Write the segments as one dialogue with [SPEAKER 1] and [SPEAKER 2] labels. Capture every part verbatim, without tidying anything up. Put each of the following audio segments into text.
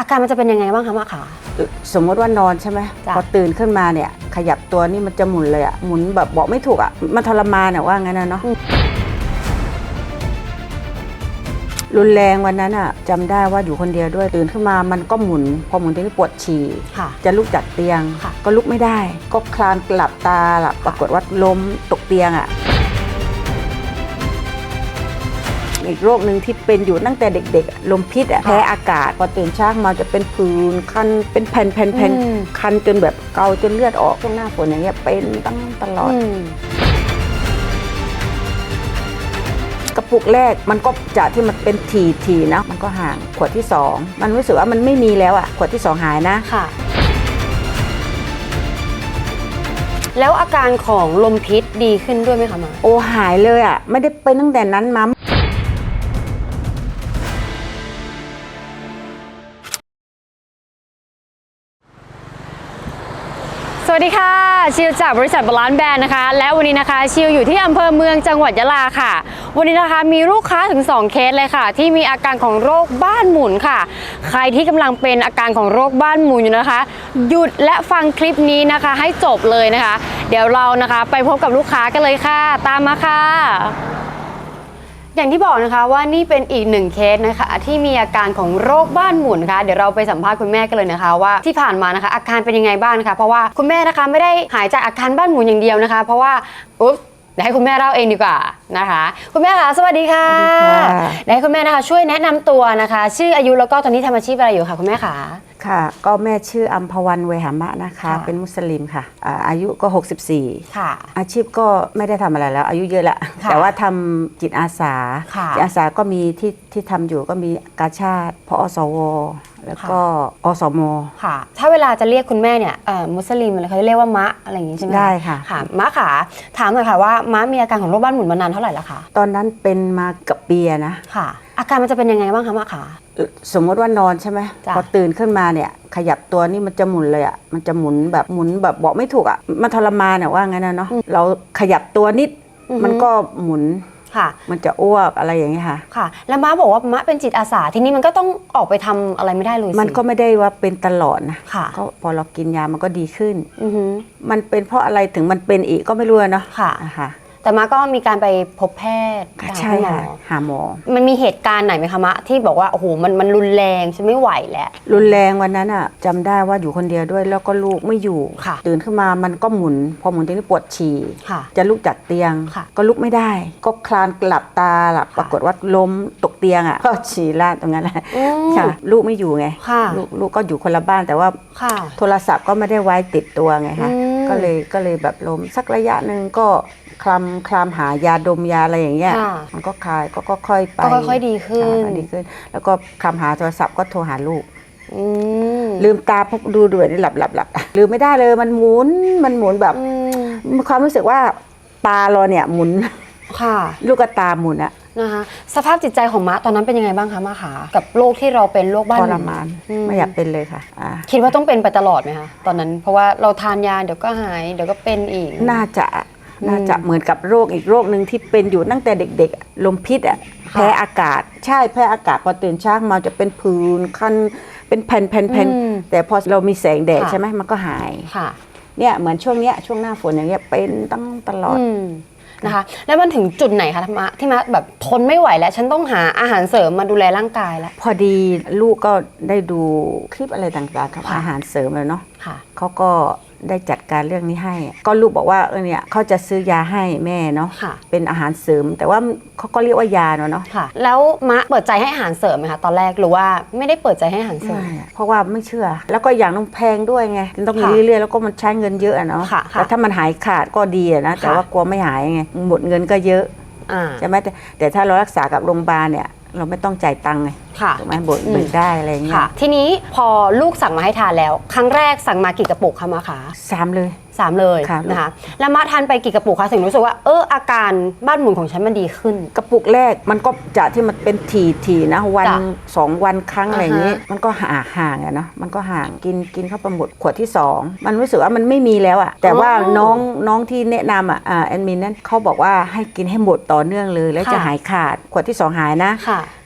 [SPEAKER 1] อาการมันจะเป็นยังไงบ้างคะมะขา
[SPEAKER 2] สมมติว่านอนใช่ไหมพอตื่นขึ้นมาเนี่ยขยับตัวนี่มันจะหมุนเลยอะหมุนแบบบอกไม่ถูกอะมันทรมานอะว่างั้นนะเนาะรุนแรงวันนั้นอะจำได้ว่าอยู่คนเดียวด้วยตื่นขึ้นมามันก็หมุนพอหมุนทีนี้ปวดฉี่จะลุกจากเตียงก็ลุกไม่ได้ก็คลานหลับตาหลับปรากฏว่าล้มตกเตียงอะอีกโรคหนึ่งที่เป็นอยู่ตั้งแต่เด็กๆลมพิษแพ้อากาศพอตื่นเช้ามาจะเป็นผื่นคันเป็นแผ่นๆๆคันจนแบบเกาจนเลือดออกช่วงหน้าฝนอย่างเงี้ยเป็นตั้งตลอดกระปุกแรกมันก็จากที่มันเป็นทีๆนะมันก็ห่างขวดที่สองมันรู้สึกว่ามันไม่มีแล้วอ่ะขวดที่สองหายนะ
[SPEAKER 1] ค่ะแล้วอาการของลมพิษดีขึ้นด้วยไหมคะมา
[SPEAKER 2] โอ้หายเลยอ่ะไม่ได้เป็นตั้งแต่นั้นมา
[SPEAKER 1] สวัสดีค่ะชิวจากบริษัทบาลานซ์แบรนด์นะคะและวันนี้นะคะชิวอยู่ที่อำเภอเมืองจังหวัดยะลาค่ะวันนี้นะคะมีลูกค้าถึงสองเคสเลยค่ะที่มีอาการของโรคบ้านหมุนค่ะใครที่กำลังเป็นอาการของโรคบ้านหมุนอยู่นะคะหยุดและฟังคลิปนี้นะคะให้จบเลยนะคะเดี๋ยวเรานะคะไปพบกับลูกค้ากันเลยค่ะตามมาค่ะอย่างที่บอกนะคะว่านี่เป็นอีกหนึ่งเคสนะคะที่มีอาการของโรคบ้านหมุนค่ะเดี๋ยวเราไปสัมภาษณ์คุณแม่กันเลยนะคะว่าที่ผ่านมานะคะอาการเป็นยังไงบ้างนะคะเพราะว่าคุณแม่นะคะไม่ได้หายจากอาการบ้านหมุนอย่างเดียวนะคะเพราะว่าอุ๊บเดี๋ยวให้คุณแม่เล่าเองดีกว่านะคะคุณแม่คะสวัสดีค่ะเดี๋ยวให้คุณแม่นะคะช่วยแนะนำตัวนะคะชื่ออายุแล้วก็ตอนนี้ทำอาชีพอะไรอยู่ค่ะคุณแม่คะ
[SPEAKER 2] ค่ะก็แม่ชื่ออัมพวันเวหามะนะคะเป็นมุสลิมค่ะอายุก็หกสิบสี่ค่ะอาชีพก็ไม่ได้ทำอะไรแล้วอายุเยอะแล้วแต่ว่าทำจิตอาสาจิตอาสาก็มีที่ที่ทำอยู่ก็มีกาชาดพอสวแล้วก็อสม
[SPEAKER 1] ค่ะถ้าเวลาจะเรียกคุณแม่เนี่ยมุสลิมอะไรเขาจะเรียกว่ามะอะไรอย่างนี้ใช่ไหม
[SPEAKER 2] ได้ค่ะ
[SPEAKER 1] ค่ะมะขาถามหน่อยค่ะว่ามะมีอาการของโรคบ้านหมุนมานานเท่าไหร่แล้วคะ
[SPEAKER 2] ตอนนั้นเป็นมากับปีนะ
[SPEAKER 1] ค่ะอาการมันจะเป็นยังไงบ้างคะมะขา
[SPEAKER 2] สมมติว่านอนใช่ไหมพอตื่นขึ้นมาเนี่ยขยับตัวนี่มันจะหมุนเลยอ่ะมันจะหมุนแบบหมุนแบบบอกไม่ถูกอ่ะมันทรมานอ่ะว่างั้นนะเนาะเราขยับตัวนิดมันก็หมุนค่ะมันจะอ้วกอะไรอย่างเงี้ยค่ะ
[SPEAKER 1] ค่ะแล้วม้าบอกว่ามะเป็นจิตอาสาทีนี้มันก็ต้องออกไปทำอะไรไม่ได้เลย
[SPEAKER 2] มันก็ไม่ได้ว่าเป็นตลอดนะค่ะก็พอเรากินยามันก็ดีขึ้นมันเป็นเพราะอะไรถึงมันเป็นอีกก็ไม่รู้เนาะ
[SPEAKER 1] ค่ะค่ะแต่มาก็มีการไปพบแพทย์
[SPEAKER 2] ใช่ค่ะหาหมอ
[SPEAKER 1] มันมีเหตุการณ์ไหนไหมคะมะที่บอกว่าโอ้โหมันมันรุนแรงฉันไม่ไหวแล้ว
[SPEAKER 2] รุนแรงวันนั้นอ่ะจำได้ว่าอยู่คนเดียวด้วยแล้วก็ลูกไม่อยู่ตื่นขึ้นมามันก็หมุนพอหมุนทีนี้ปวดฉี่จะลุกจากเตียงก็ลุกไม่ได้ก็คลานหลับตาหลับปรากฏว่าล้มตกเตียงอ่ะก็ฉี่ราดตรงนั้นแหละค่ะลูกไม่อยู่ไงลูกลูกก็อยู่คนละบ้านแต่ว่าโทรศัพท์ก็ไม่ได้ไว้ติดตัวไงคะก็เลยก็เลยแบบล้มสักระยะหนึ่งก็คลำคลำหายาดมยาอะไรอย่างเงี้ยมันก็คลายก็ค่อยไป
[SPEAKER 1] ก็ค่อยๆดีขึ้น
[SPEAKER 2] ดีขึ้นแล้วก็คลำหาโทรศัพท์ก็โทรหาลูกลืมตาพบดูด้วยนี่หลับหลับหลับลืมไม่ได้เลยมันหมุนมันหมุนแบบความรู้สึกว่าตาเราเนี่ยหมุน
[SPEAKER 1] ค่ะ
[SPEAKER 2] ลูกตาหมุนอะ
[SPEAKER 1] นะคะสภาพจิตใจของมะตอนนั้นเป็นยังไงบ้างคะมะขากับโรคที่เราเป็นโรคบ้านหมุน
[SPEAKER 2] ทรมานไม่อยากเป็นเลยค่ะ
[SPEAKER 1] คิดว่าต้องเป็นไปตลอดไหมคะตอนนั้นเพราะว่าเราทานยาเดี๋ยวก็หายเดี๋ยวก็เป็นอีก
[SPEAKER 2] น่าจะน่าจะเหมือนกับโรคอีกโรคหนึ่งที่เป็นอยู่ตั้งแต่เด็กๆลมพิษอ่ะแพ้อากาศใช่แพ้อากาศพอตื่นเช้ามาจะเป็นผื่นคันเป็นแผ่นๆๆแต่พอเรามีแสงแดดใช่ไหมมันก็หายเนี่ยเหมือนช่วงเนี้ยช่วงหน้าฝนอย่างเงี้ยเป็นตั้งตลอด
[SPEAKER 1] นะคะแล้วมันถึงจุดไหนคะที่มาที่มาแบบทนไม่ไหวแล้วฉันต้องหาอาหารเสริมมาดูแลร่างกายแล้ว
[SPEAKER 2] พอดีลูกก็ได้ดูคลิปอะไรต่างๆครับอาหารเสริมเลยเนาะเขาก็ได้จัดการเรื่องนี้ให้ก็ลูกบอกว่าเออเนี่ยเขาจะซื้อยาให้แม่เนาะเป็นอาหารเสริมแต่ว่าเขาก็เรียกว่ายาเนาะเนาะ
[SPEAKER 1] แล้วมะเปิดใจให้อาหารเสริมไหมคะตอนแรกหรือว่าไม่ได้เปิดใจให้อาหารเสริม
[SPEAKER 2] เพราะว่าไม่เชื่อแล้วก็อย่างต้องแพงด้วยไงต้องมีเรื่อยๆแล้วก็มันใช้เงินเยอะเนาะแต่ถ้ามันหายขาดก็ดีนะแต่ว่ากลัวไม่หายไงหมดเงินก็เยอะใช่ไหมแต่แต่ถ้าเรารักษากับโรงพยาบาลเนี่ยเราไม่ต้องจ่ายตังค์ไงถูกไหมบดเบิกได้อะไรเงี้ย
[SPEAKER 1] ทีนี้พอลูกสั่งมาให้ทานแล้วครั้งแรกสั่งมากี่กระปุกคะมะคะ
[SPEAKER 2] สามเลย
[SPEAKER 1] สามเลยนะคะแล้วมาทานไปกี่กระปุกคะถึงรู้สึกว่าเอออาการบ้านหมุนของฉันมันดีขึ้น
[SPEAKER 2] กระปุกแรกมันก็จากที่มันเป็นทีทีนะวันสองวันครั้งอะไรอย่างนี้มันก็ห่างห่างอะเนาะมันก็ห่างกินกินเข้าไปหมดขวดที่สองมันรู้สึกว่ามันไม่มีแล้วอะแต่ว่าน้องน้องที่แนะนำอะแอดมินนั้นเขาบอกว่าให้กินให้หมดต่อเนื่องเลยแล้วจะหายขาดขวดที่สองหายนะ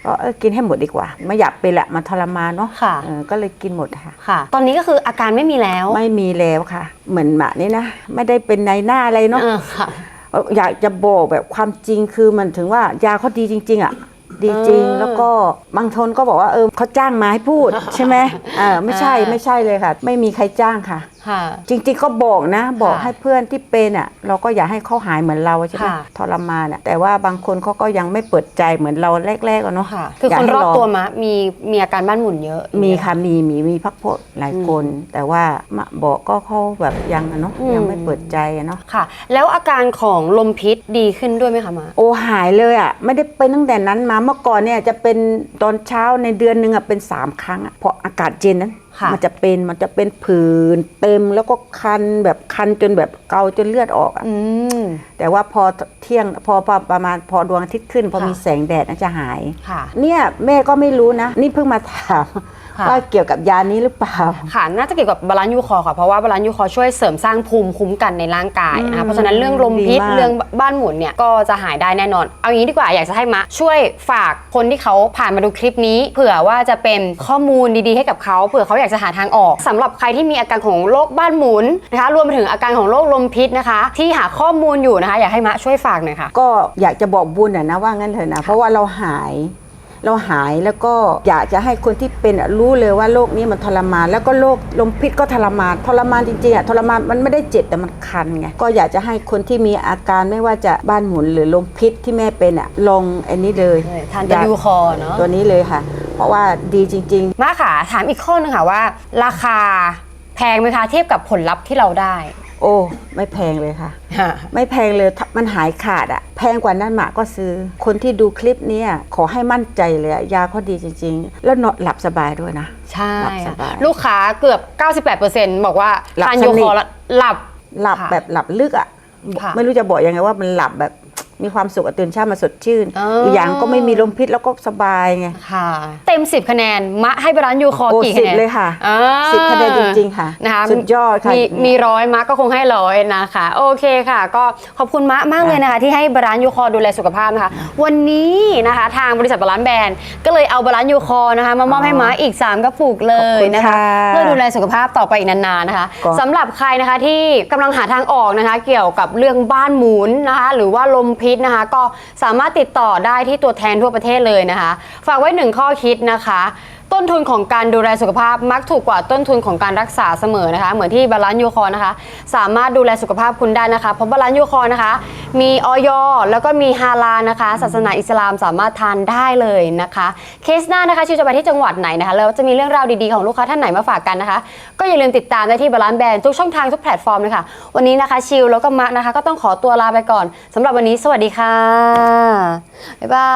[SPEAKER 2] ก็เออกินให้หมดดีกว่าไม่อยากเป็นละมันทรมานเนาะ
[SPEAKER 1] ค่ะ
[SPEAKER 2] เออก็เลยกินหมดค่ะ
[SPEAKER 1] ค่ะ ตอนนี้ก็คืออาการไม่มีแล้ว
[SPEAKER 2] ไม่มีแล้วค่ะ เหมือนหมานี่นะไม่ได้เป็นในหน้าอะไรเนาะ
[SPEAKER 1] เออค่ะ
[SPEAKER 2] อยากจะบอกแบบความจริงคือมันถึงว่ายาเขาดีจริง ๆ อ่ะ ดีจริง
[SPEAKER 1] เออ
[SPEAKER 2] แล้วก็บางคนก็บอกว่าเออเขาจ้างมาให้พูด ใช่ไหมเออไม่ใช่
[SPEAKER 1] อ่า
[SPEAKER 2] ไม่ใช่เลยค่ะ ไม่มีใครจ้างค่ะ
[SPEAKER 1] ค่ะ
[SPEAKER 2] จริงๆก็บอกนะ บอก
[SPEAKER 1] ค่ะ
[SPEAKER 2] ให้เพื่อนที่เป็นอ่ะ เราก็อยากให้เขาหายเหมือนเราใช่ไหม
[SPEAKER 1] ค่ะ
[SPEAKER 2] ทรมานอ่ะแต่ว่าบางคนเขาก็ยังไม่เปิดใจเหมือนเราแรกๆอะเนาะ
[SPEAKER 1] ค่ะ คือ
[SPEAKER 2] อยาก
[SPEAKER 1] คน
[SPEAKER 2] ให้
[SPEAKER 1] รอบ
[SPEAKER 2] ลง
[SPEAKER 1] ตัวมะมีมีอาการบ้านหมุนเยอะ
[SPEAKER 2] มีค่ะมีมีมีพักพวกหลายคน แต่ว่ามาบอกก็เขาแบบยังอะเนาะ
[SPEAKER 1] อืม
[SPEAKER 2] ยังไม่เปิดใจอะเนาะ
[SPEAKER 1] ค่ะ แล้วอาการของลมพิษดีขึ้นด้วยไหมคะมะ
[SPEAKER 2] โอ้หายเลยอ่ะไม่ได้เป็นตั้งแต่นั้นมาเมื่อก่อนเนี่ยจะเป็นตอนเช้าในเดือนหนึ่งอ่ะเป็นสามครั้งอ่ะเพราะอากาศเย็นนั้น
[SPEAKER 1] ค่ะ
[SPEAKER 2] มันจะเป็นมันจะเป็นผื่นเต็มแล้วก็คันแบบคันจนแบบเกาจนเลือดออกอ่ะ
[SPEAKER 1] อืม
[SPEAKER 2] แต่ว่าพอเที่ยงพอพอประมาณพอดวงอาทิตย์ขึ้น พอ
[SPEAKER 1] ค่ะ
[SPEAKER 2] มีแสงแดดน่าจะหาย
[SPEAKER 1] ค่ะ
[SPEAKER 2] เนี่ยแม่ก็ไม่รู้นะ นี่เพิ่งมาถาม
[SPEAKER 1] ค่ะ
[SPEAKER 2] ว่าเกี่ยวกับยานี้หรือเปล่า
[SPEAKER 1] ค่ะ น่าจะเกี่ยวกับบาลานซ์ยูคอร์ค่ะ เพราะว่าบาลานซ์ยูคอร์ช่วยเสริมสร้างภูมิคุ้มกันในร่างกายนะ
[SPEAKER 2] อื
[SPEAKER 1] คะ
[SPEAKER 2] ม
[SPEAKER 1] เพราะฉะนั้นเรื่องลมพิษ
[SPEAKER 2] ดีมาก
[SPEAKER 1] เรื่องบ้านหมุนเนี่ยก็จะหายได้แน่นอน เอางี้ดีกว่าอยากจะให้มะช่วยฝากคนที่เขาผ่านมาดูคลิปนี้ เผื่อว่าจะเป็นข้อมูลดีๆให้กับเขาเผื่อเขาอยากจะหาทางออกสำหรับใครที่มีอาการของโรคบ้านหมุนนะคะรวมไปถึงอาการของโรคลมพิษนะคะ ที่หาข้อมูลอยู่นะคะอยากให้มะช่วยฝากหน่อยค่ะ
[SPEAKER 2] ก็อยากจะบอกบุญอะนะว่างั้นเถอะนะเพราะว่าเราหาย เราหายแล้วก็อยากจะให้คนที่เป็นอะรู้เลยว่าโรคนี้มันทรมาน แล้วก็โรคลมพิษก็ทรมานทรมานจริงๆอะทรมานมันไม่ได้เจ็บแต่มันคันไงก็อยากจะให้คนที่มีอาการไม่ว่าจะบ้านหมุนหรือลมพิษที่แม่เป็นอะลงอันนี้เลย
[SPEAKER 1] ทานตัวยูคอร์เนาะ
[SPEAKER 2] ตัวนี้เลยค่ะ เพราะว่าดีจริง ๆ
[SPEAKER 1] มาค่ะถามอีกข้อนึงค่ะว่า ราคาแพงไหมคะเทียบกับผลลัพธ์ที่เราได้
[SPEAKER 2] โอ้ไม่แพงเลยค่ะ ไม่แพงเลยถ้ามันหายขาดอะแพงกว่านั้นหมาก็ซื้อ คนที่ดูคลิปเนี้ยขอให้มั่นใจเลยอะยาเขาดีจริง ๆ แล้วนอนหลับสบายด้วยนะ
[SPEAKER 1] ใช่
[SPEAKER 2] หลับส
[SPEAKER 1] ค่ะ
[SPEAKER 2] บาย
[SPEAKER 1] ลูกค้าเกือบ เก้าสิบแปดเปอร์เซ็นต์ บอกว่า
[SPEAKER 2] หลับ
[SPEAKER 1] ทาน
[SPEAKER 2] ส
[SPEAKER 1] ยู
[SPEAKER 2] นิ
[SPEAKER 1] ค
[SPEAKER 2] ท
[SPEAKER 1] อร์แล้วหลับ
[SPEAKER 2] หลับ
[SPEAKER 1] ค่ะ
[SPEAKER 2] แบบหลับลึกอะ
[SPEAKER 1] ค่ะ
[SPEAKER 2] ไม่รู้จะบอกยังไงว่ามันหลับแบบมีความสุขอะตื่นเช้ามาสดชื่น
[SPEAKER 1] เอออี
[SPEAKER 2] กอย่างก็ไม่มีลมพิษแล้วก็สบายไง
[SPEAKER 1] ค่ะ เต็มสิบคะแนนมะให้บาลานซ์ยูคอร์
[SPEAKER 2] โอ้
[SPEAKER 1] กี่
[SPEAKER 2] สิ
[SPEAKER 1] คะ
[SPEAKER 2] บ
[SPEAKER 1] แนน
[SPEAKER 2] เลยค่ะ
[SPEAKER 1] อ่า
[SPEAKER 2] สิบคะแนนจริงๆค่ะ
[SPEAKER 1] นะคะ
[SPEAKER 2] สุดยอดค่ะ
[SPEAKER 1] มีมีร้อยมะก็คงให้ร้อยนะคะโอเคค่ะ ก็ขอบคุณมะมากเลยนะคะ ที่ให้บาลานซ์ยูคอร์ดูแลสุขภาพนะคะ วันนี้นะคะทางบริษัทบาลานซ์แบรนด์ก็เลยเอาบาลานซ์ยูคอร์นะคะมามอบให้มะอีกสามกระปุกเลยนะคะ เพื่อดูแลสุขภาพต่อไปอีกนานๆนะคะ
[SPEAKER 2] ก็
[SPEAKER 1] สำหรับใครนะคะที่กำลังหาทางออกนะคะ เกี่ยวกับเรื่องบ้านหมุนนะคะ หรือว่าลมพิษนะคะ ก็สามารถติดต่อได้ที่ตัวแทนทั่วประเทศเลยนะคะ ฝากไว้หนึ่งข้อคิดนะคะ ต้นทุนของการดูแลสุขภาพมักถูกกว่าต้นทุนของการรักษาเสมอนะคะ เหมือนที่บาลานซ์ยูคอร์นะคะ สามารถดูแลสุขภาพคุณได้นะคะ เพราะบาลานซ์ยูคอร์นะคะ มีออยแล้วก็มีฮาลาลนะคะ ศาสนาอิสลามสามารถทานได้เลยนะคะ เคสหน้านะคะชิวจะไปที่จังหวัดไหนนะคะแล้วจะมีเรื่องราวดีๆของลูกค้าท่านไหนมาฝากกันนะคะ ก็อย่าลืมติดตามได้ที่บาลานซ์แบรนด์ทุกช่องทางทุกแพลตฟอร์มเลยค่ะวันนี้นะคะชิวแล้วก็มะนะคะก็ต้องขอตัวลาไปก่อนสำหรับวันนี้สวัสดีค่ะบ๊ายบาย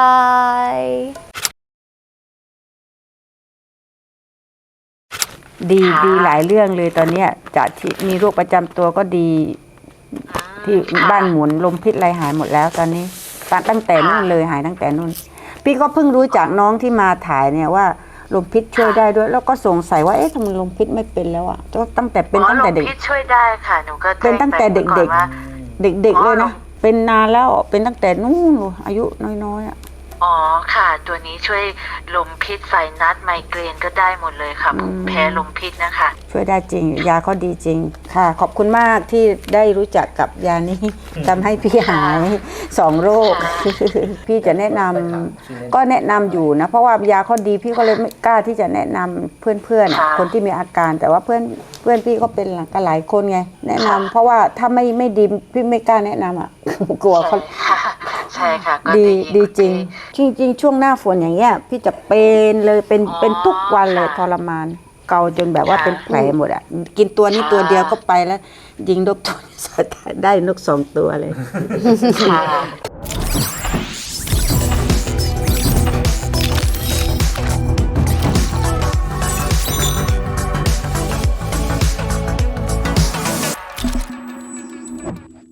[SPEAKER 2] ดีดีหลายเรื่องเลยตอนเนี้ยจากที่มีโรคประจำตัวก็ดี ที่บ้านหมุนลมพิษอะไรหายหมดแล้วตอนนี้ตั้งตั้งแต่นู่นเลยหายตั้งแต่นู่น พี่ก็เพิ่งรู้จากน้องที่มาถ่ายเนี่ยว่าลมพิษช่วยได้ด้วย แล้วก็สงสัยว่าเอ๊ะทำไมลมพิษไม่เป็นแล้วอ่ะก็ตั้งแต่เป็นตั้งแต่เด็ก
[SPEAKER 3] อ๋อลมพิษช่วยได้ค่ะหนูก็
[SPEAKER 2] เป็นตั้งแต่เด็ก
[SPEAKER 3] ๆว่า
[SPEAKER 2] ๆ เด็กๆเลยนะเป็นนานแล้วเป็นตั้งแต่นู่นอายุน้อยๆอ่ะ
[SPEAKER 3] อ๋อค่ะ ตัวนี้ช่วยลมพิษไซนัสไมเกรนก็ได้หมดเลยค่ะ
[SPEAKER 2] อืม
[SPEAKER 3] แพ้ลมพิษนะคะ
[SPEAKER 2] ช่วยได้จริง ยาเขาดีจริงค่ะ ขอบคุณมากที่ได้รู้จักกับยานี้ทำให้พี่หายสองโรค พี่จะแนะนำก็แนะนำอยู่นะ เพราะว่ายาเขาดีพี่ก็เลยไม่กล้าที่จะแนะนำเพื่อนๆอะ
[SPEAKER 3] ค่ะ
[SPEAKER 2] คนที่มีอาการแต่ว่าเพื่อนเพื่อนพี่ก็เป็นกันหลายคนไง แนะนำเพราะว่าถ้าไม่ไม่ดีพี่ไม่กล้าแนะนำอ่ะ กลัวเขา
[SPEAKER 3] ค่ะใช่ค่ะก็
[SPEAKER 2] ดี
[SPEAKER 3] ยิน
[SPEAKER 2] ดีจริง จริง ๆ ช่วงหน้าฝนอย่างเงี้ยพี่จะเป็นเลยเป็น
[SPEAKER 3] อ๋อ
[SPEAKER 2] เป็นทุกวันเลย
[SPEAKER 3] ค่ะ
[SPEAKER 2] ทรมาน เกาจนแบบว่า
[SPEAKER 3] ค่ะ
[SPEAKER 2] เป็นแผลหมดอ่ะกินตัวนี้
[SPEAKER 3] ค่ะ
[SPEAKER 2] ตัวเดียวก็ไปแล้ว ยิงนกตัวได้นกสองตัวเลย
[SPEAKER 3] ค่ะ